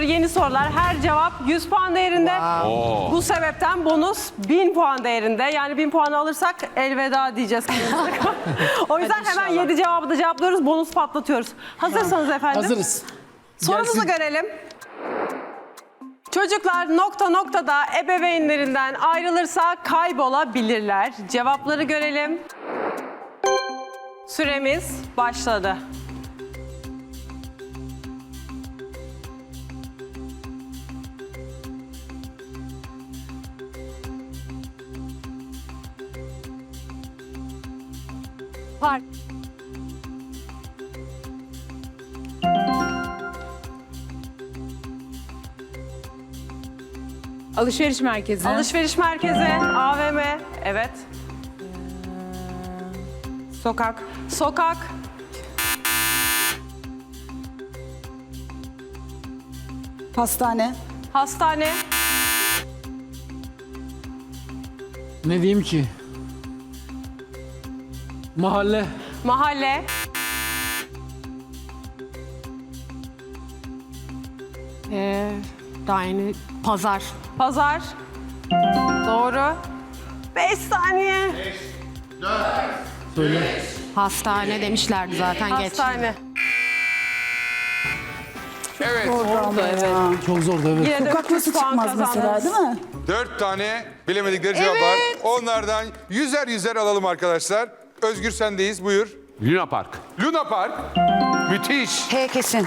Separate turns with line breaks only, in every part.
yeni sorular. Her cevap 100 puan değerinde. Bu sebepten bonus 1000 puan değerinde. Yani 1000 puanı alırsak elveda diyeceğiz. O yüzden hemen 7 cevabı da cevaplıyoruz. Bonus patlatıyoruz. Hazırsanız efendim.
Hazırız.
Sorumuzu
Gelsin.
görelim. Çocuklar nokta noktada ebeveynlerinden ayrılırsa kaybolabilirler. Cevapları görelim. Süremiz başladı. Park.
Alışveriş merkezi.
Alışveriş merkezi, AVM, evet.
Sokak.
Sokak,
Hastane.
hastane,
Ne diyeyim ki? Mahalle.
mahalle,
Daha yeni pazar.
pazar. Doğru. 5 saniye.
Söyle.
Hastane demişlerdi zaten geç.
Hastane.
Evet.
Çok zordu evet.
Yine de
Sokak
300
nasıl
puan
çıkmaz mesela
kazandınız.
değil mi?
4 tane bilemedikleri cevap var. Onlardan yüzer alalım arkadaşlar. Özgür sendeyiz. Buyur.
Luna Park.
Luna Park. Müthiş.
H kesin.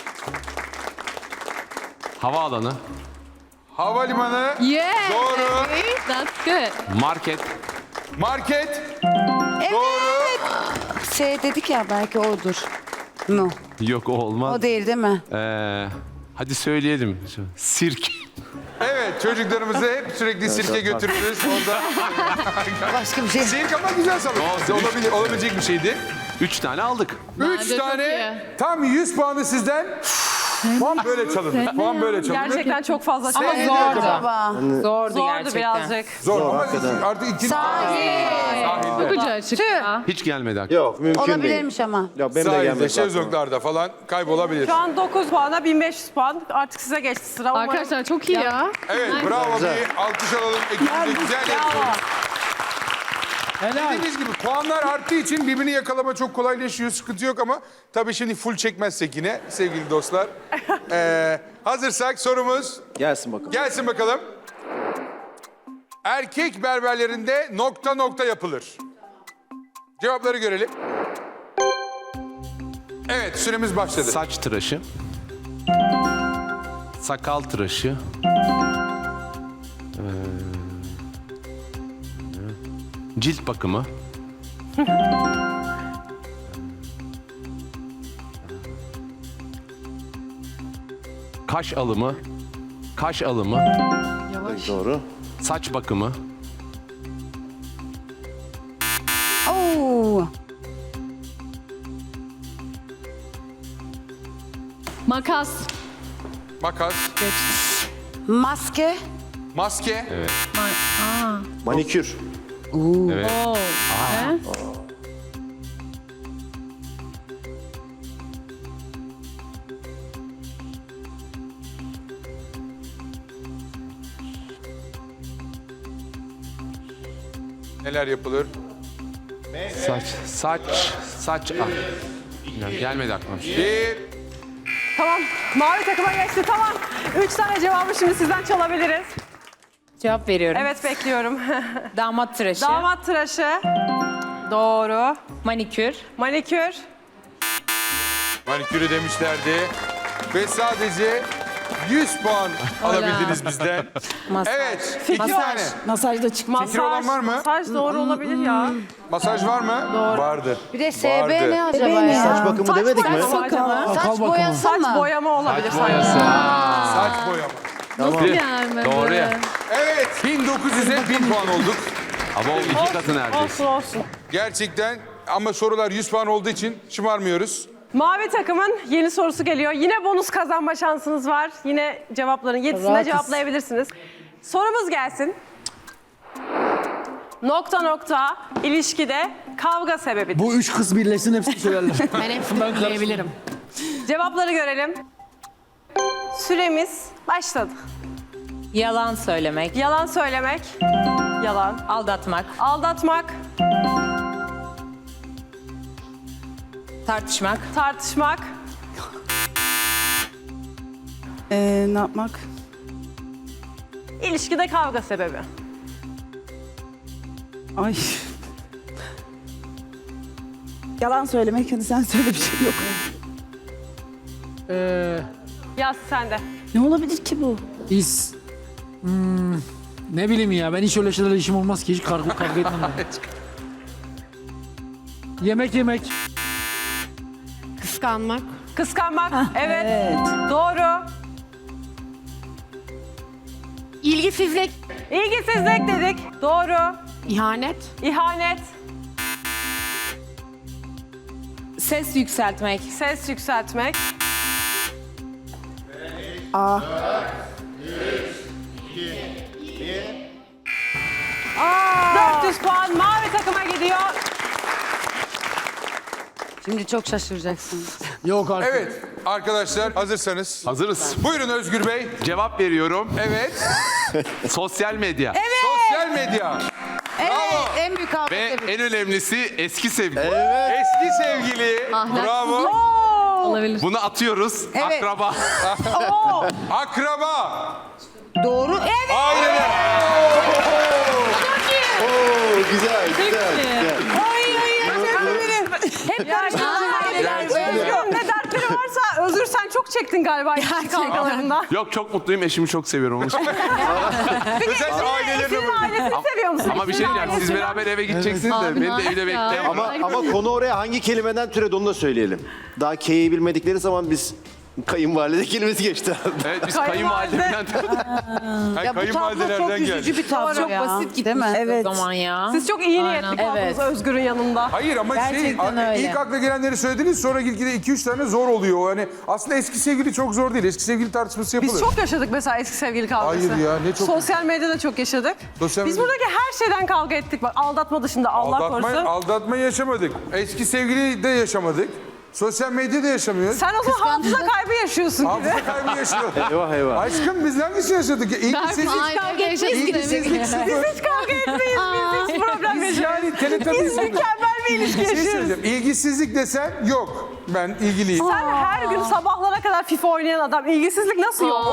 Havaalanı.
Havalimanı.
Yeah.
Doğru.
That's good.
Market.
Market. Doğru.
S dedik ya belki odur. No.
Yok o olmaz.
O değil mi?
Hadi söyleyelim. Sirk.
Evet, çocuklarımızı hep sürekli sirke götürürüz. Onda
Başka bir şey.
sirk ama güzel sanırım. Olabilecek bir şeydi.
3 tane aldık.
3
çok
tane tam 100 puanı sizden. Puan böyle çalınır. Puan böyle çalınır.
Gerçekten çok fazla
Ama
şey.
zordu.
Baba.
Zordu
Zordu
gerçekten.
birazcık.
Zor ama artık ikinci
Çok ucu açık ya.
Hiç gelmedi aklıma.
Yok mümkün değil.
Olabilirmiş ama.
Ya benim de
sahilde,
gelmedi.
şezlonglarda falan kaybolabilir.
Şu an 9 puana 1500 puan. Artık size geçti sıra. Umarım-
Arkadaşlar çok iyi ya.
Evet, bravo. Bir alkış alalım. Ekibimize güzel
Bravo.
yapıyoruz.
Helal.
Dediğiniz gibi puanlar arttığı için birbirini yakalama çok kolaylaşıyor. Sıkıntı yok ama tabii şimdi full çekmezsek yine sevgili dostlar. Hazırsak sorumuz
Gelsin bakalım.
gelsin bakalım. Erkek berberlerinde nokta nokta yapılır. Cevapları görelim. Evet, süremiz başladı.
Saç tıraşı. Sakal tıraşı. Cilt bakımı. Kaş alımı. Kaş alımı.
Doğru.
Saç bakımı.
Oo.
Makas.
Makas,
Maske.
maske,
Manikür.
Evet.
neler yapılır?
Saç. Gelmedi aklıma.
Bir,
Tamam. Mavi takıma geçti. Tamam. 3 tane cevabı şimdi sizden çalabiliriz.
Cevap veriyorum.
Evet, bekliyorum.
Damat tıraşı.
Damat tıraşı. Doğru.
Manikür.
Manikür.
manikürü demişlerdi. Ve sadece 100 puan alabildiniz bizden.
Masaj.
Evet, 2 tane.
Masajda çıkmaz.
Fikri olan var mı?
Masaj doğru olabilir ya.
Masaj var mı?
Doğru.
Vardı.
Bir de
Vardı.
SB ne acaba
Bebeğim
ya?
Saç bakımı demedik mi?
boyası acaba?
Saç
bakımı.
boyası
Saç
mı?
boyama olabilir sanki.
Saç boyama.
Gelmedi.
Doğru ya.
Evet, 1900'e 1000 puan olduk.
Ama o 2 katı neredeyse.
Olsun.
Gerçekten ama sorular 100 puan olduğu için şımarmıyoruz.
Mavi takımın yeni sorusu geliyor. Yine bonus kazanma şansınız var. Yine cevapların 7'sinde
Rahatız.
cevaplayabilirsiniz. Sorumuz gelsin. Nokta nokta ilişkide kavga sebebidir.
Bu 3 kız birleşsin hepsini söylerler.
Ben hepsini bilebilirim.
Cevapları görelim. süremiz başladı.
Yalan söylemek.
Yalan söylemek, yalan.
Aldatmak.
Aldatmak,
Tartışmak.
tartışmak,
Ne yapmak?
ilişkide kavga sebebi.
Ay. Yalan söylemek, hadi sen söyle, bir şey yok.
Yaz sen de.
Ne olabilir ki bu?
Ne bileyim ya, ben hiç öyle şeylerle işim olmaz ki, hiç kavga etmem ben. Yemek.
Kıskanmak.
Kıskanmak, evet.
Evet.
Doğru.
İlgisizlik.
İlgisizlik dedik. Doğru.
İhanet.
İhanet,
Ses yükseltmek.
ses yükseltmek. 400 puan mavi takıma gidiyor.
Şimdi çok şaşıracaksınız.
Yok artık.
Evet arkadaşlar hazırsanız.
Hazırız.
Buyurun Özgür Bey.
Cevap veriyorum.
Evet.
Sosyal medya.
Sosyal medya. Bravo.
En büyük kavga
Ve
sebebi.
en önemlisi eski sevgili.
Eski sevgili. Bravo.
Olabilir.
Bunu atıyoruz.
Evet.
Akraba.
Akraba.
Doğru. Evet.
Aileler.
Oo, güzel, güzel.
Hep Özgür ne dertleri varsa Özgür sen çok çektin galiba ilişki kavgalarından.
Yok, çok mutluyum. Eşimi çok seviyorum. Onun için.
Özellikle ailelerine
Eşinin
bakın.
ailesini seviyor musun?
Ama bir şey
Eşinin
diyeceğim. Siz
ailesini.
beraber eve gideceksiniz de.
Abi,
Beni de evde
ya.
bekleyin.
Ama konu oraya hangi kelimeden türedi onu da söyleyelim. Daha K'yi bilmedikleri zaman biz kayınvalide kelimesi geçti.
Evet, biz
Kayınvalide.
kayınvalidemden...
Ya bu tablo çok
Kayınvalidelerden
üzücü
geldi.
bir tablo
Çok
ya.
basit
Değil
gitmiş
mi?
Evet.
o zaman ya.
Siz çok iyi niyetli kaldınız
Evet.
Özgür'ün yanında.
Hayır ama
Gerçekten öyle.
ilk akla gelenleri söylediniz sonra gitgide 2-3 tane zor oluyor. Yani aslında eski sevgili çok zor değil. Eski sevgili tartışması yapılır.
Biz çok yaşadık mesela eski sevgili kavgası.
Hayır ya, ne çok-
Sosyal medyada çok yaşadık.
Sosyal
Biz
medya-
buradaki her şeyden kavga ettik. Bak aldatma dışında Allah korusun.
Aldatma yaşamadık. Eski sevgili de yaşamadık. Sosyal medyada yaşamıyoruz.
Sen o zaman hafıza kaybı yaşıyorsun gibi.
Hafıza kaybı yaşıyoruz.
Eyvah eyvah.
Aşkım biz hangisini yaşadık? İlgisizlik.
Aynı yaşasın
İlgisizlik sıfır.
Biz hiç kavga etmeyiz. Biz hiç problem
Biz
yaşamayız.
yani Teletubbies
Biz mükemmel bir ilişki
Bir şey
yaşıyoruz.
söyleyeceğim. İlgisizlik desen yok. Ben ilgiliyim.
Sen her gün sabahlara kadar FIFA oynayan adam. İlgisizlik nasıl yok?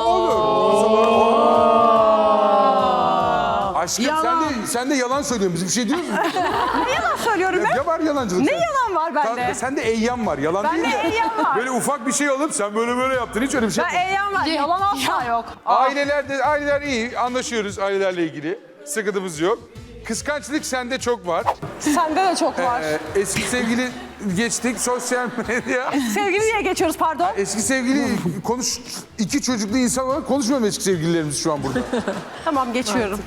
Aşkım sen de yalan söylüyorsun. Biz bir şey diyoruz mu?
Ne yalan söylüyorum ben?
Ya var yalancılık.
Ne yalan var bende?
Sende eyyam var. Yalan
Bende
değil de.
eyyam var.
Böyle ufak bir şey alıp sen böyle yaptın. Hiç öyle bir şey
Ben
yapmadın.
eyyam var. Yalan asla yok.
Aileler iyi. Anlaşıyoruz ailelerle ilgili. Sıkıntımız yok. Kıskançlık sende çok var.
Sende de çok var.
Eski sevgili geçtik. Sosyal medya.
Sevgili diye geçiyoruz pardon.
Eski sevgili iki çocuklu insan olarak konuşmuyorum eski sevgililerimiz şu an burada.
Tamam geçiyorum.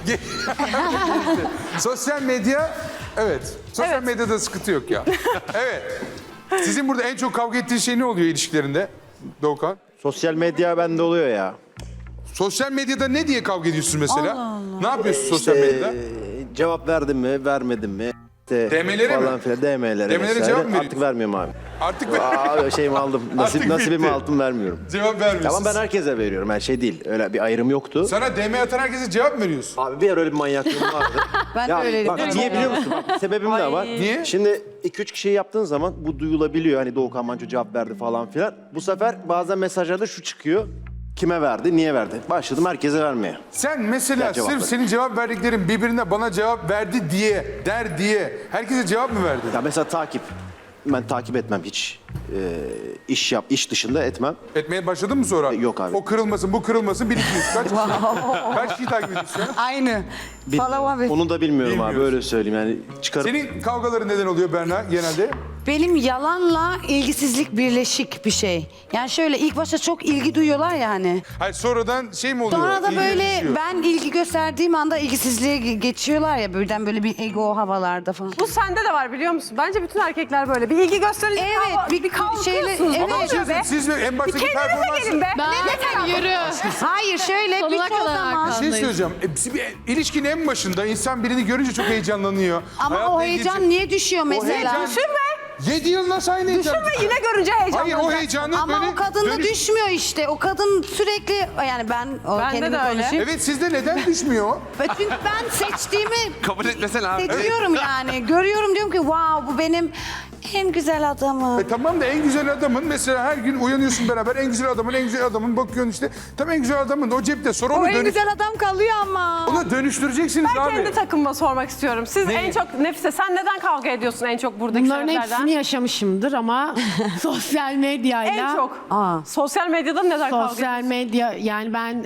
Sosyal medya, evet. Sosyal
Evet.
medyada sıkıntı yok ya. Evet. Sizin burada en çok kavga ettiğiniz şey ne oluyor ilişkilerinde Doğukan?
Sosyal medya bende oluyor ya.
Sosyal medyada ne diye kavga ediyorsun mesela? Ne yapıyorsun sosyal medyada?
Cevap verdim mi, vermedim mi? İşte
DM'lere mi?
falan filan, DM'lere
DM'lere
vesaire.
cevap mı veriyorsun?
Artık vermiyorum abi.
Artık
Şeyimi aldım.
Artık
Nasibimi
bitti.
aldım, vermiyorum.
cevap vermiyorsun.
Tamam ben herkese veriyorum. Her şey değil. Öyle bir ayrım yoktu.
Sana DM atan herkese cevap mı veriyorsun?
Abi bir ara öyle bir manyaklığım vardı.
Ben de öyleydim.
Bak niye biliyor musun? Bak, sebebim de var.
Niye?
Şimdi 2-3 kişiyi yaptığın zaman bu duyulabiliyor. Hani Doğukan Manço cevap verdi falan filan. Bu sefer bazen mesajlarda şu çıkıyor. Kime verdi, niye verdi? Başladım herkese vermeye.
Sen mesela
Ya cevap
sırf
ver.
senin cevap verdiklerin birbirine bana cevap verdi diye herkese cevap mı verdin?
Ya mesela takip. Ben takip etmem hiç. İş dışında etmem.
Etmeye başladın mı sonra?
Yok abi.
O kırılmasın, bu kırılmasın. 1 2 3 kaç kişi? Kaç kişiyi takip ediyorsun? ya?
Aynı.
Bilmiyorum.
abi.
Onu da bilmiyorum abi
Bilmiyorsun.
öyle söyleyeyim yani çıkarıp.
Senin kavgaların neden oluyor Berna genelde?
Benim yalanla ilgisizlik birleşik bir şey. Yani şöyle ilk başta çok ilgi duyuyorlar ya hani.
Hayır sonradan şey mi oluyor?
Sonra da
İlgi
böyle
düşüyor.
ben ilgi gösterdiğim anda ilgisizliğe geçiyorlar ya birden böyle bir ego havalarda falan.
Bu sende de var biliyor musun? Bence bütün erkekler böyle. Bir ilgi gösterince
Evet, bir
kalkıyorsunuz.
şeyle-
Ne
evet.
oluyor be?
Siz en
Bir
baştaki
kendinize
performansı...
gelin be.
Ben yürü.
Hayır şöyle
Sonuna
birçok
kadar
zaman.
Bir şey
arkandayız.
söyleyeceğim. İlişkinin en başında insan birini görünce çok heyecanlanıyor.
Ama
Hayatla
o
ilgili
heyecan
çok-
niye düşüyor mesela?
heyecan-
Düşünme.
7 yıl nasıl aynı heyecan?
Düşünme yine görünce heyecanlanacak.
Hayır o heyecanı
Ama
böyle
o kadın da
dönüş-
düşmüyor işte. O kadın sürekli yani ben
Bende
kendimi
de öyle.
konuşayım.
Evet sizde neden düşmüyor?
Ve çünkü ben seçtiğimi
Kabul etmesene abi.
seçiyorum yani. Görüyorum diyorum ki wow bu benim en güzel adamım.
Tamam da en güzel adamın mesela her gün uyanıyorsun beraber en güzel adamın bakıyorsun işte. Tam en güzel adamın o cepte sonra
O
onu,
en güzel adam kalıyor ama.
onu dönüştüreceksiniz
Ben
abi.
kendi takımıma sormak istiyorum. Siz en çok Nefise sen neden kavga ediyorsun en çok buradaki
Bunların
sebeplerden?
hepsini yaşamışımdır ama sosyal medyayla...
En çok. Sosyal medyada neden kavga ediyorsun?
Sosyal medya yani ben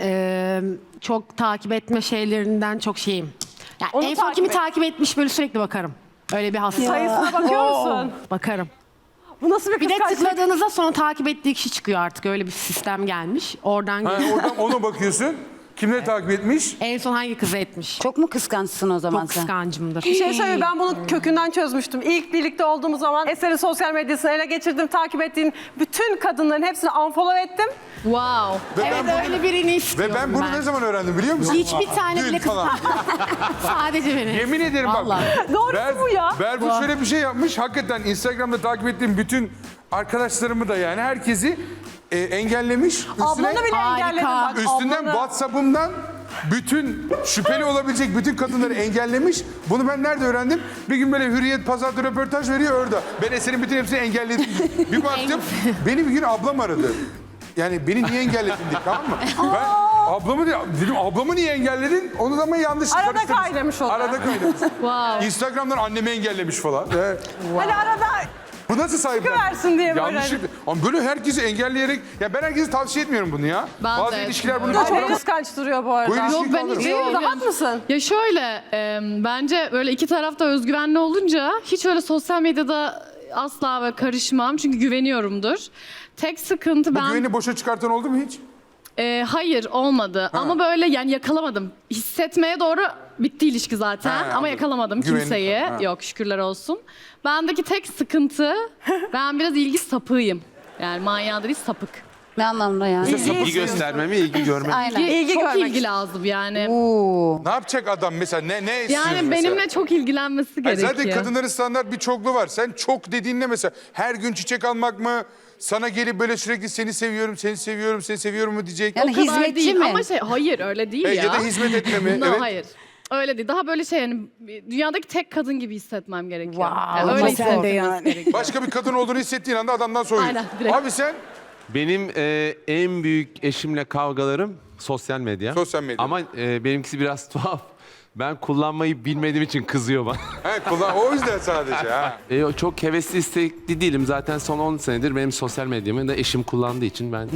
çok takip etme şeylerinden çok şeyim. Yani
Onu
en son
takip
kimi
et.
takip etmiş böyle sürekli bakarım. Öyle bir hasta.
Sayısına bakıyor musun?
Bakarım.
Bu nasıl bir
Bir de
kıskançlık?
tıkladığınızda sonra takip ettiği kişi çıkıyor artık. Öyle bir sistem gelmiş. Oradan
Ha, oradan ona bakıyorsun. Kimleri takip etmiş?
en son hangi kızı etmiş?
Çok mu kıskançsın o zaman
Çok
sen?
kıskancımdır.
Bir şey söyleyeyim ben bunu kökünden çözmüştüm. İlk birlikte olduğumuz zaman Eser'in sosyal medyasını ele geçirdim. Takip ettiğim bütün kadınların hepsini unfollow ettim.
Wow.
Ve
Evet
ben,
öyle birini istiyorum
ve ben bunu ne zaman öğrendim biliyor musun?
Hiçbir tane
Dün
bile kız
falan.
Sadece beni.
Yemin ederim bak.
Vallahi.
Doğrusu bu ya.
Berfu şöyle bir şey yapmış. Hakikaten Instagram'da takip ettiğim bütün arkadaşlarımı da yani herkesi engellemiş.
Ablanı bile
Harika.
engelledim bak.
Üstünden
ablanı.
WhatsApp'ımdan bütün şüpheli olabilecek bütün kadınları engellemiş. Bunu ben nerede öğrendim? Bir gün böyle Hürriyet Pazar'da röportaj veriyor orada. Ben Eser'in bütün hepsini engelledim. Bir baktım beni bir gün ablam aradı. Yani beni niye engelledin diye tamam mı? Ben ablamı dedim ablamı niye engelledin? Onu da ama yanlış
Arada
karıştırmış.
kaynamış o da.
Arada kaynamış. Instagram'dan annemi engellemiş falan.
Hani arada
Bu nasıl sahiplen?
çıkıversin diye böyle.
Yanlışlıkla. Ama böyle herkesi engelleyerek... Ya ben herkese tavsiye etmiyorum bunu ya.
Ben
Bazı
de
ilişkiler bunu
Bu da çok
kaldıramaz.
kıskanç duruyor bu arada.
Bu ilişkiyi
Yok, ben
kaldırır.
hiç-
Değil mi? Rahat mısın?
Ya şöyle, bence böyle iki tarafta özgüvenli olunca hiç öyle sosyal medyada asla ve karışmam. Çünkü güveniyorumdur. Tek sıkıntı
Bu
ben...
güveni boşa çıkartan oldu mu hiç?
Hayır olmadı ama böyle yani yakalamadım. Hissetmeye doğru bitti ilişki zaten
Ha,
ama
anladım.
yakalamadım
Güveni-
kimseyi.
Ha.
Yok şükürler olsun. Bendeki tek sıkıntı ben biraz ilgi sapığıyım. Yani manyağı değil sapık.
Ne anlamda yani?
İlgi gösterme mi, ilgi görme mi?
Aynen.
İlgi
çok
görmek
ilgi lazım yani.
Oo.
Ne yapacak adam mesela? Ne istiyorsun
Yani
mesela?
benimle çok ilgilenmesi
Hayır,
gerekiyor.
zaten kadınların standart bir çokluğu var. Sen çok dediğinle mesela her gün çiçek almak mı? Sana gelip böyle sürekli seni seviyorum, seni seviyorum, seni seviyorum mu diyecek?
Yani
O kadar
hizmetçi
değil
mi?
ama hayır öyle değil ya.
Ya da hizmet etme mi?
No,
Evet.
hayır. Öyle değil. Daha böyle şey yani dünyadaki tek kadın gibi hissetmem gerekiyor.
Wow,
Yani öyle
ama
hissetmem
sen de yani.
gerekiyor.
Başka bir kadın olduğunu hissettiğin anda adamdan soyuyorsun.
Aynen, direkt.
Abi sen
Benim en büyük eşimle kavgalarım sosyal medya.
Sosyal medya.
Ama benimkisi biraz tuhaf. Ben kullanmayı bilmediğim için kızıyor bana.
o yüzden sadece ha.
Çok hevesli istekli değilim. Zaten son 10 senedir benim sosyal medyamı da eşim kullandığı için ben...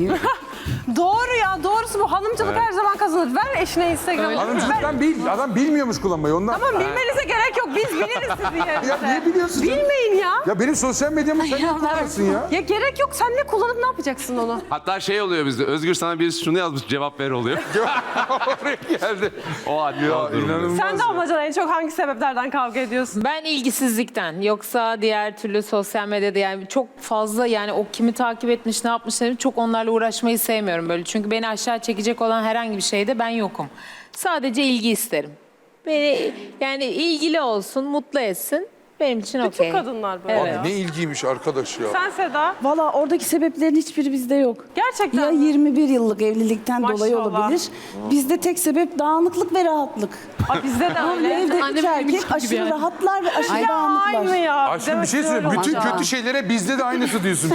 Doğru ya doğrusu bu. Hanımcılık her zaman kazanır. Ver eşine Instagram'ı.
Hanımcılıktan adam bilmiyormuş kullanmayı ondan.
Tamam bilmenize gerek yok. Biz biliriz sizin yerinize.
Ya niye biliyorsun sen?
Bilmeyin ya.
Ya benim sosyal medyamı sen ne kullansın ya?
Ya gerek yok. Sen ne kullanıp ne yapacaksın onu?
Hatta şey oluyor bizde. Özgür sana birisi şunu yazmış cevap ver oluyor.
Oraya geldi.
O hatta o durumda.
İnanılmaz.
Sen de amacana en çok hangi sebeplerden kavga ediyorsun?
Ben ilgisizlikten yoksa diğer türlü sosyal medyada yani çok fazla yani o kimi takip etmiş ne yapmış çok onlarla uğraşmayı sevmiyorum böyle. Çünkü beni aşağı çekecek olan herhangi bir şeyde ben yokum. Sadece ilgi isterim. Beni yani ilgili olsun, mutlu etsin. Benim için okey.
Bütün kadınlar böyle.
Evet.
ya.
Ne ilgiymiş arkadaş ya.
Sen Seda.
Valla oradaki sebeplerin hiçbiri bizde yok.
Gerçekten
Ya
mi?
21 yıllık evlilikten dolayı
Maşallah.
olabilir. Bizde tek sebep dağınıklık ve rahatlık.
Aa, bizde de
Bu
öyle.
evde
Annem
üç
benim
erkek
gibi
aşırı
yani.
rahatlar ve aşırı
Ya aynı
dağınıklar.
ya.
Aşkım bir şey söyleyeyim. Bütün
Maşallah.
kötü şeylere bizde de aynısı diyorsun.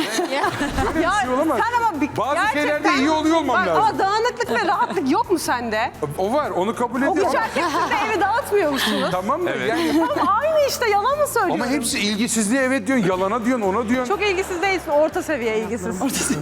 Ya
şey olamaz.
sen ama
Bazı
gerçekten...
şeylerde iyi oluyor olmam
Bak,
lazım.
Ama dağınıklık ve rahatlık yok mu sende?
O var onu kabul
O
ediyorum.
üç erkek siz de evi dağıtmıyor musunuz?
Tamam da
Evet.
yani.
Tamam aynı işte yalan mı söylüyorum?
Ama hepsi ilgisizliğe evet diyorsun, yalana diyorsun, ona diyorsun.
Çok ilgisiz değilsin, orta seviye ilgisiz.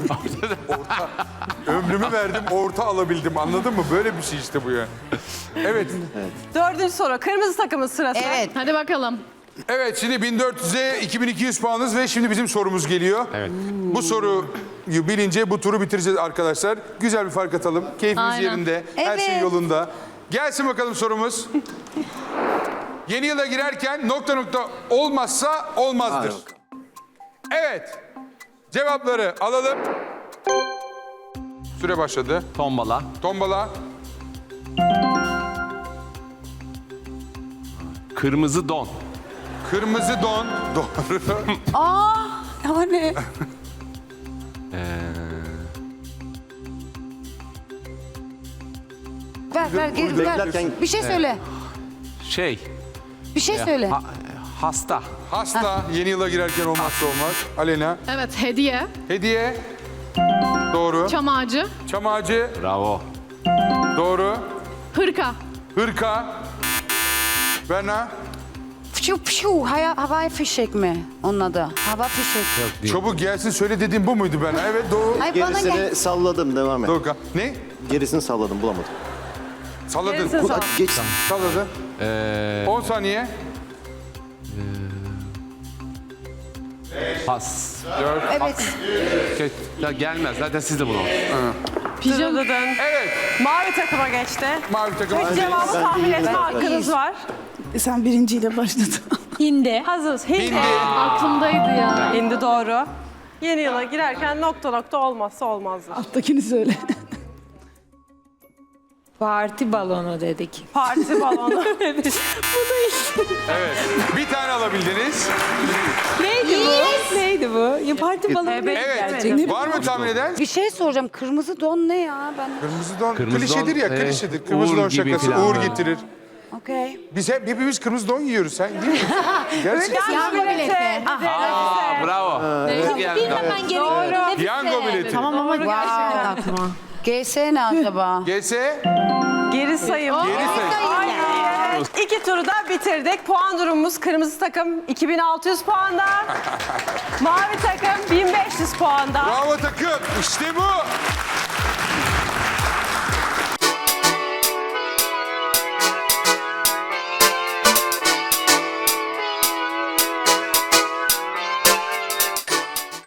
Ömrümü verdim, orta alabildim. Anladın mı? Böyle bir şey işte bu ya. Evet.
Dördüncü soru, kırmızı takımın sırası.
Evet.
Hadi bakalım.
Evet şimdi 1400'e 2200 puanınız ve şimdi bizim sorumuz geliyor.
Evet.
Bu soruyu bilince bu turu bitireceğiz arkadaşlar. Güzel bir fark atalım. Keyfimiz
Aynen.
yerinde. Her şey
Evet.
yolunda. Gelsin bakalım sorumuz. Yeni yıla girerken nokta nokta olmazsa olmazdır. Evet. Cevapları alalım. Süre başladı.
Tombala.
Tombala.
Kırmızı don.
Kırmızı don. Doğru.
Aa, o ne? ver, geri ver.
Beklerken-
Bir şey söyle.
Şey,
Bir şey söyle.
hasta.
Hasta. Yeni yıla girerken olmazsa olmaz. Alena.
Evet, hediye,
Hediye. Doğru.
çam ağacı,
Çam ağacı.
Bravo.
Doğru.
hırka,
Hırka. Berna.
Havai fişek mi onun adı? Hava fişek.
Çabuk gelsin söyle dediğim bu muydu Berna? Evet doğru.
Ay bana gel.
Gerisini salladım, devam et.
Doğru. Ne?
Gerisini salladım, bulamadım.
Salladın.
Gerisi sağ.
Geç.
Salladın. 10 saniye.
Pas.
4.
Evet.
Ya gelmez. Zaten siz de bunu.
Pijama.
Evet.
Mavi takıma geçti.
Mavi takım.
Tek cevabı tahmin etme hakkınız var.
Sen birinciyle başladın.
Hindi.
Hazırız. Hindi.
Hindi.
aklımdaydı ya.
Hindi doğru. Yeni yıla girerken nokta olmazsa olmazlar.
Alttakini söyle.
Parti balonu dedik.
Parti balonu.
Evet. Bir tane alabildiniz.
Neydi bu? Neydi bu? Ya parti balonu.
Evet. Var mı tahmin eden?
Bir şey soracağım. Kırmızı don ne ya? Ben
Kırmızı don.
Kırmızı
klişedir
don,
ya, klişedir. Kırmızı
uğur
don
gibi
şakası.
falan.
Uğur getirir.
okey.
Biz hepimiz kırmızı don yiyoruz. Sen değil mi? Gerçekten.
Piyango bileti.
Aa, bravo. Hızlı geldi.
Hemen geliyorum.
Piyango bileti.
Tamam ama geldi aklıma.
GS ne acaba?
Gelse
Geri sayım.
geri say.
Aynen. İki turu da bitirdik. Puan durumumuz kırmızı takım 2600 puanda. Mavi takım 1500 puanda.
Bravo takım. İşte bu.